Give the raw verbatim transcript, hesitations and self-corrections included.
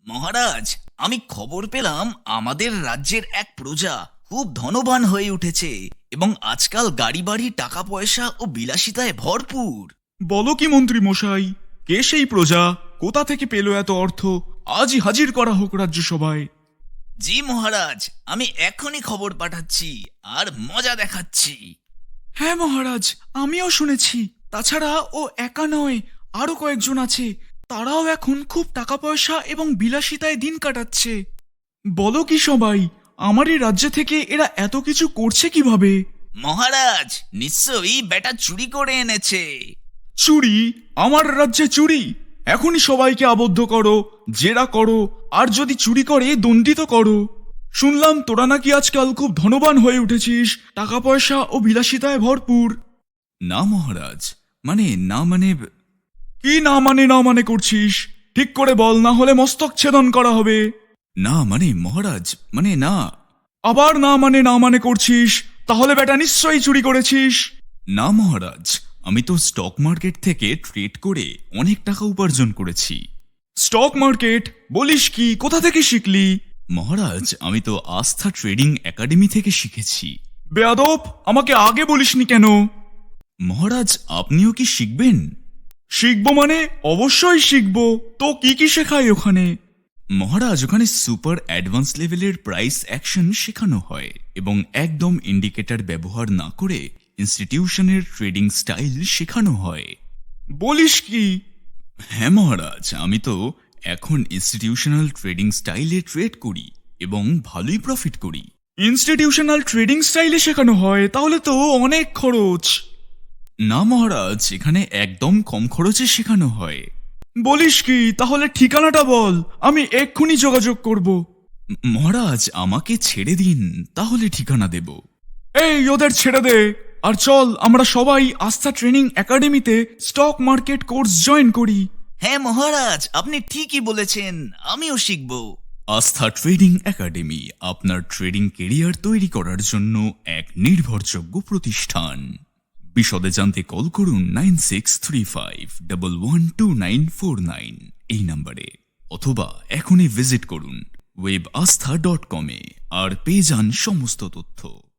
মহারাজ, আমি খবর পেলাম আমাদের রাজ্যের এক প্রজা খুব ধনবান হয়ে উঠেছে এবং আজকাল গাড়ি বাড়ি, টাকা পয়সা ও বিলাসিতায় ভরপুর। বলো কি মন্ত্রী মশাই, কে সেই প্রজা? কোথা থেকে পেল এত অর্থ? আজই হাজির করা হোক রাজ্যসভায়। জি মহারাজ, আমি এখনই খবর পাঠাচ্ছি আর মজা দেখাচ্ছি। হ্যাঁ মহারাজ, আমিও শুনেছি। তাছাড়া ও একা নয়, আরো কয়েকজন আছে। তারাও এখন খুব টাকা পয়সা এবং বিলাসিতায় দিন কাটাচ্ছে। বলো কি সবাই, আমার এই রাজ্য থেকে এরা এত কিছু করছে কিভাবে? মহারাজ, নিশ্চয়ই বেটা চুরি করে এনেছে। চুরি? আমার রাজ্যে চুরি? এখনই সবাইকে আবদ্ধ করো, জেরা করো, আর যদি চুরি করে দণ্ডিত করো। শুনলাম তোরা নাকি আজকাল খুব ধনবান হয়ে উঠেছিস, টাকা পয়সা ও বিলাসিতায় ভরপুর। না মহারাজ, মানে না মানে কি না মানে না মানে করছিস? ঠিক করে বল, না হলে মস্তক ছেদন করা হবে। না মানে মহারাজ, মানে না। আবার না মানে না মানে করছিস, তাহলে বেটা নিশ্চয়ই চুরি করেছিস। না মহারাজ, আমি তো স্টক মার্কেট থেকে ট্রেড করে অনেক টাকা উপার্জন করেছি। Stock market? বলিস কি? কোথা থেকে শিখলি? মহারাজ, আমি তো আস্থা ট্রেডিং একাডেমি থেকে শিখেছি। বেয়াদব, আমাকে আগে বলিসনি কেন? মহারাজ, আপনিও কি শিখবেন? শিখবো মানে অবশ্যই শিখবো। তো কি কি শেখায় ওখানে? মহারাজ, ওখানে সুপার অ্যাডভান্স লেভেলের প্রাইস অ্যাকশন শেখানো হয় এবং একদম ইন্ডিকেটর ব্যবহার না করে ইনস্টিটিউশনের ট্রেডিং স্টাইল শেখানো হয়। বলিস কি? হ্যাঁ মহারাজ, আমি তো এখন ইনস্টিটিউশনাল ট্রেডিং স্টাইলে ট্রেড করি এবং ভালোই প্রফিট করি। ইনস্টিটিউশনাল ট্রেডিং স্টাইলে শেখানো হয়? তাহলে তো অনেক খরচ। না মহারাজ, এখানে একদম কম খরচে শেখানো হয়। বলিস কি? তাহলে ঠিকানাটা বল, আমি এক্ষুনি যোগাযোগ করব। ম- মহারাজ, আমাকে ছেড়ে দিন, তাহলে ঠিকানা দেব। এই ওদের ছেড়ে দে, আর চল আমরা সবাই আস্থা ট্রেনিং একাডেমিতে স্টক মার্কেট কোর্স জয়েন করি। হ্যাঁ মহারাজ, আপনি ঠিকই বলেছেন, আমিও শিখব। আস্থা ট্রেডিং একাডেমি আপনার ট্রেডিং কেরিয়ার তৈরি করার জন্য এক নির্ভরযোগ্য প্রতিষ্ঠান। বিশদে জানতে কল করুন nine six three five double one two nine four nine এই নম্বরে, অথবা এখনই ভিজিট করুন ওয়েব আস্থা ডট কমে আর পেয়ে যান সমস্ত তথ্য।